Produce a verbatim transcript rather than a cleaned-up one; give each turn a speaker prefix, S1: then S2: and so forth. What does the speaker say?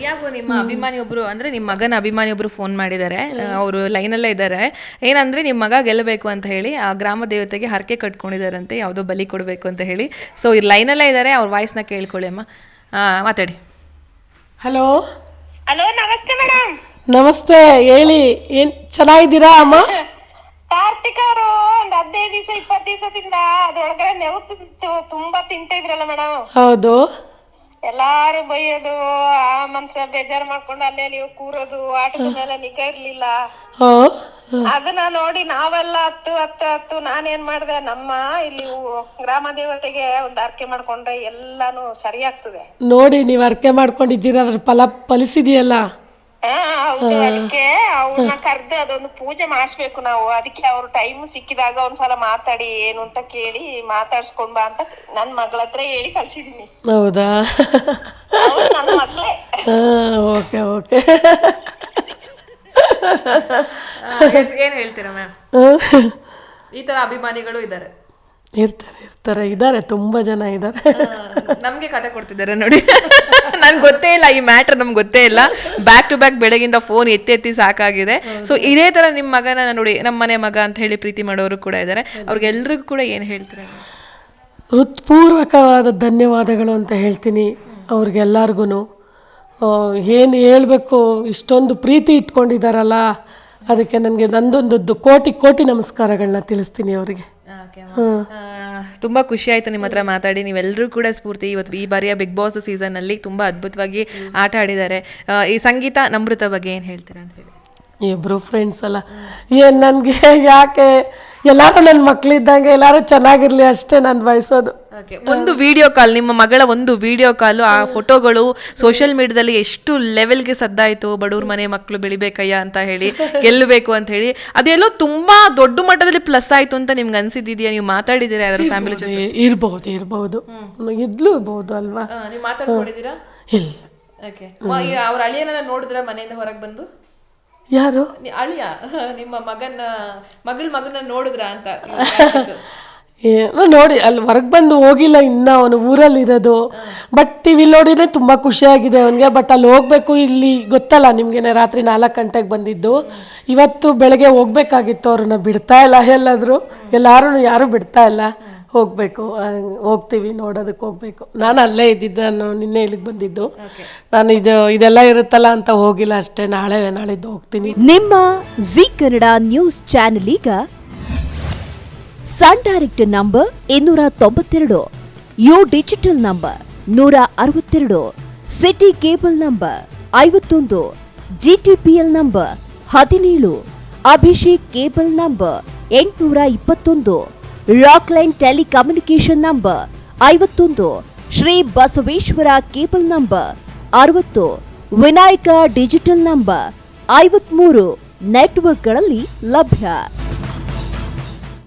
S1: ಪ್ರಿಯಾಗೂ ನಿಮ್ಮ ಅಭಿಮಾನಿ ಒಬ್ರು ಅಂದ್ರೆ ನಿಮ್ಮ ಮಗನ ಅಭಿಮಾನಿ ಒಬ್ರು ಫೋನ್ ಮಾಡಿದ್ದಾರೆ. ಅವರು ಲೈನಲ್ಲೇ ಇದ್ದಾರೆ. ಏನಂದ್ರೆ ನಿಮ್ಮ ಮಗ ಗೆಲ್ಲಬೇಕು ಅಂತ ಹೇಳಿ ಆ ಗ್ರಾಮ ದೇವತೆಗೆ ಹರಕೆ ಕಟ್ಕೊಂಡಿದಾರಂತೆ, ಯಾವುದೋ ಬಲಿ ಕೊಡಬೇಕು ಅಂತ ಹೇಳಿ. ಸೊ ಈ ಲೈನಲ್ಲೇ ಇದ್ದಾರೆ, ಅವ್ರ ವಾಯ್ಸ್ನ ಕೇಳ್ಕೊಳ್ಳಿ ಅಮ್ಮ. ಮಾತಾಡಿ.
S2: ಹಲೋ
S3: ಹಲೋ, ನಮಸ್ತೆ ಮೇಡಮ್.
S2: ನಮಸ್ತೆ, ಹೇಳಿ. ಏನ್ ಚೆನ್ನಾಗಿದ್ದೀರಾ ಅಮ್ಮ?
S3: ಕಾರ್ತಿಕ್ ಅವರು ಒಂದ್ ಹದಿನೈದು ದಿವಸ ಇಪ್ಪತ್ತು ದಿವಸದಿಂದ ಅದ್ರೊಳಗಡೆ ನೆವು ತುಂಬಾ ತಿಂತ ಇದ್ರಲ್ಲ ಮೇಡಮ್.
S2: ಹೌದು.
S3: ಎಲ್ಲಾರು ಬೈಯೋದು, ಆ ಮನ್ಸ ಬೇಜಾರ್ ಮಾಡ್ಕೊಂಡು ಅಲ್ಲಿ ಅಲ್ಲಿ ಕೂರೋದು, ಆಟದ ಮೇಲೆ ನಿಗಾ ಇರ್ಲಿಲ್ಲ. ಅದನ್ನ ನೋಡಿ ನಾವೆಲ್ಲ ಹತ್ತು ಹತ್ತು ಹತ್ತು ನಾನೇನ್ ಮಾಡ್ದೆ, ನಮ್ಮ ಇಲ್ಲಿ ಗ್ರಾಮ ದೇವತೆಗೆ ಒಂದ್ ಅರ್ಕೆ ಮಾಡ್ಕೊಂಡ್ರೆ ಎಲ್ಲಾನು ಸರಿ ಆಗ್ತದೆ.
S2: ನೋಡಿ, ನೀವ್ ಅರ್ಕೆ ಮಾಡ್ಕೊಂಡಿದ್ದೀರಾ, ಅದ್ರ ಫಲ ಫಲಿಸಿದೆಯಲ್ಲ.
S3: ಹಾ ಹೌದು. ಅದಕ್ಕೆ ಅವ್ರನ್ನ ಕರ್ದು ಅದೊಂದು ಪೂಜೆ ಮಾಡಿಸ್ಬೇಕು ನಾವು. ಅದಕ್ಕೆ ಅವ್ರು ಟೈಮ್ ಸಿಕ್ಕಿದಾಗ ಒಂದ್ಸಲ ಮಾತಾಡಿ ಏನು ಅಂತ ಕೇಳಿ ಮಾತಾಡ್ಸ್ಕೊಂಡ್ ಬಾ ಅಂತ ನನ್ ಮಗಳ ಹತ್ರ ಹೇಳಿ ಕಳ್ಸಿದೀನಿ.
S2: ಹೌದಾ?
S3: ನನ್ನ ಮಗಳೇ.
S2: Okay okay.
S1: ಏನ್ ಹೇಳ್ತೀರಾ ಮ್ಯಾಮ್? ಈ ತರ ಅಭಿಮಾನಿಗಳು ಇದ್ದಾರೆ.
S2: ಇರ್ತಾರೆ ಇರ್ತಾರೆ ಇದ್ದಾರೆ, ತುಂಬಾ ಜನ ಇದ್ದಾರೆ.
S1: ನಮ್ಗೆ ಕಾಟ ಕೊಡ್ತಿದ್ದಾರೆ ನೋಡಿ. ನನ್ಗೆ ಗೊತ್ತೇ ಇಲ್ಲ ಈ ಮ್ಯಾಟರ್, ನಮ್ಗೆ ಗೊತ್ತೇ ಇಲ್ಲ. ಬ್ಯಾಕ್ ಟು ಬ್ಯಾಕ್ ಬೆಳಗಿಂದ ಫೋನ್ ಎತ್ತಿ ಎತ್ತಿ ಸಾಕಾಗಿದೆ. ಸೊ ಇದೇ ತರ ನಿಮ್ಮ ಮಗನ ನೋಡಿ, ನಮ್ಮ ಮನೆ ಮಗ ಅಂತ ಹೇಳಿ ಪ್ರೀತಿ ಮಾಡೋರು ಕೂಡ ಇದ್ದಾರೆ. ಅವ್ರಿಗೆಲ್ರಿಗೂ ಕೂಡ ಏನು ಹೇಳ್ತಾರೆ?
S2: ಹೃತ್ಪೂರ್ವಕವಾದ ಧನ್ಯವಾದಗಳು ಅಂತ ಹೇಳ್ತೀನಿ ಅವ್ರಿಗೆಲ್ಲರಿಗೂ. ಏನು ಹೇಳಬೇಕು, ಇಷ್ಟೊಂದು ಪ್ರೀತಿ ಇಟ್ಕೊಂಡಿದ್ದಾರಲ್ಲ, ಅದಕ್ಕೆ ನನಗೆ ನಂದೊಂದು ಕೋಟಿ ಕೋಟಿ ನಮಸ್ಕಾರಗಳನ್ನ ತಿಳಿಸ್ತೀನಿ ಅವರಿಗೆ.
S1: ತುಂಬ ಖುಷಿ ಆಯಿತು ನಿಮ್ಮ ಹತ್ರ ಮಾತಾಡಿ. ನೀವೆಲ್ಲರೂ ಕೂಡ ಸ್ಫೂರ್ತಿ. ಇವತ್ತು ಈ ಬಾರಿಯ ಬಿಗ್ ಬಾಸ್ ಸೀಸನ್ನಲ್ಲಿ ತುಂಬ ಅದ್ಭುತವಾಗಿ ಆಟ ಆಡಿದ್ದಾರೆ. ಈ ಸಂಗೀತ ನಮೃತ ಬಗ್ಗೆ ಏನು ಹೇಳ್ತೀರಾ ಅಂತ ಹೇಳಿ?
S2: ಇಬ್ಬರು ಫ್ರೆಂಡ್ಸ್ ಅಲ್ಲ, ಏನು ನನಗೆ ಯಾಕೆ ಎಲ್ಲರೂ ನನ್ನ ಮಕ್ಕಳಿದ್ದಂಗೆ ಎಲ್ಲರೂ ಚೆನ್ನಾಗಿರಲಿ ಅಷ್ಟೇ ನಾನು ಬಯಸೋದು.
S1: ಒಂದು ವಿಡಿಯೋ ಕಾಲ್, ನಿಮ್ಮ ಮಗಳ ಒಂದು ವಿಡಿಯೋ ಕಾಲು, ಆ ಫೋಟೋಗಳು ಸೋಷಿಯಲ್ ಮೀಡಿಯಾದಲ್ಲಿ ಎಷ್ಟು ಲೆವೆಲ್ಗೆ ಸದ್ದಾಯಿತು. ಬಡವ್ರ ಮನೆ ಮಕ್ಕಳು ಬೆಳಿಬೇಕಯ್ಯ ಅಂತ ಹೇಳಿ, ಗೆಲ್ಲಬೇಕು ಅಂತ ಹೇಳಿ, ಅದೆಲ್ಲೋ ತುಂಬಾ ದೊಡ್ಡ ಮಟ್ಟದಲ್ಲಿ ಪ್ಲಸ್ ಆಯ್ತು ಅಂತ ನಿಮ್ಗೆ ಅನ್ಸಿದ್ಯಾ? ನೀವು ಮಾತಾಡಿದ್ದೀರಾ ಯಾರು ಫ್ಯಾಮಿಲಿ ಜೊತೆ?
S2: ಇರ್ಬಹುದು ಇರ್ಬಹುದು ಇದ್ಲೂ ಇರ್ಬಹುದು ಅಲ್ವಾ?
S1: ನೀವು ಮಾತಾಡ್ಕೊಂಡಿದ್ದೀರಾ?
S2: ಇಲ್ಲ.
S1: ಅವ್ರ ಅಳಿಯನ ನೋಡಿದ್ರ ಮನೆಯಿಂದ ಹೊರಗೆ ಬಂದು?
S2: ಯಾರು
S1: ಅಳಿಯ? ನಿಮ್ಮ ಮಗನ ಮಗಳ ಮಗನ ನೋಡಿದ್ರ ಅಂತ?
S2: ನೋಡಿ, ಅಲ್ಲಿ ಹೊರಗೆ ಬಂದು ಹೋಗಿಲ್ಲ ಇನ್ನ, ಅವನು ಊರಲ್ಲಿ ಇರೋದು. ಬಟ್ ಟಿವಿಲಿ ನೋಡಿದ್ರೆ ತುಂಬಾ ಖುಷಿಯಾಗಿದೆ ಅವನಿಗೆ. ಬಟ್ ಅಲ್ಲಿ ಹೋಗ್ಬೇಕು, ಇಲ್ಲಿ ಗೊತ್ತಲ್ಲ ನಿಮ್ಗೆ, ರಾತ್ರಿ ನಾಲ್ಕು ಗಂಟೆಗೆ ಬಂದಿದ್ದು. ಇವತ್ತು ಬೆಳಗ್ಗೆ ಹೋಗ್ಬೇಕಾಗಿತ್ತು, ಅವ್ರನ್ನ ಬಿಡ್ತಾ ಇಲ್ಲ ಎಲ್ಲಾದ್ರು, ಎಲ್ಲಾರು ಯಾರು ಬಿಡ್ತಾ ಇಲ್ಲ. ಹೋಗ್ಬೇಕು, ಹೋಗ್ತೀವಿ, ನೋಡೋದಕ್ಕೆ ಹೋಗ್ಬೇಕು. ನಾನು ಅಲ್ಲೇ ಇದ್ದಿದ್ದೆ, ನಾನು ನಿನ್ನೆ ಇಲ್ಲಿಗೆ ಬಂದಿದ್ದು. ನಾನು ಇದು ಇದೆಲ್ಲ ಇರುತ್ತಲ್ಲ ಅಂತ ಹೋಗಿಲ್ಲ ಅಷ್ಟೇ. ನಾಳೆ ನಾಳಿದ್ದು ಹೋಗ್ತೀನಿ.
S4: ನಿಮ್ಮ ಜಿ ಕನ್ನಡ ನ್ಯೂಸ್ ಚಾನೆಲ್ ಈಗ ಸನ್ ಡೈರೆಕ್ಟ್ ನಂಬರ್ ಇನ್ನೂರ ತೊಂಬತ್ತೆರಡು, ಯು ಡಿಜಿಟಲ್ ನಂಬರ್ ನೂರ ಅರವತ್ತೆರಡು, ಸಿಟಿ ಕೇಬಲ್ ನಂಬರ್ ಐವತ್ತೊಂದು, ಜಿಟಿಪಿಎಲ್ ನಂಬರ್ ಹದಿನೇಳು, ಅಭಿಷೇಕ್ ಕೇಬಲ್ ನಂಬರ್ ಎಂಟುನೂರ ಇಪ್ಪತ್ತೊಂದು, ರಾಕ್ಲೈನ್ ಟೆಲಿಕಮ್ಯುನಿಕೇಶನ್ ನಂಬರ್ ಐವತ್ತೊಂದು, ಶ್ರೀ ಬಸವೇಶ್ವರ ಕೇಬಲ್ ನಂಬರ್ ಅರವತ್ತು, ವಿನಾಯಕ ಡಿಜಿಟಲ್ ನಂಬರ್ ಐವತ್ಮೂರು ನೆಟ್ವರ್ಕ್ಗಳಲ್ಲಿ ಲಭ್ಯ.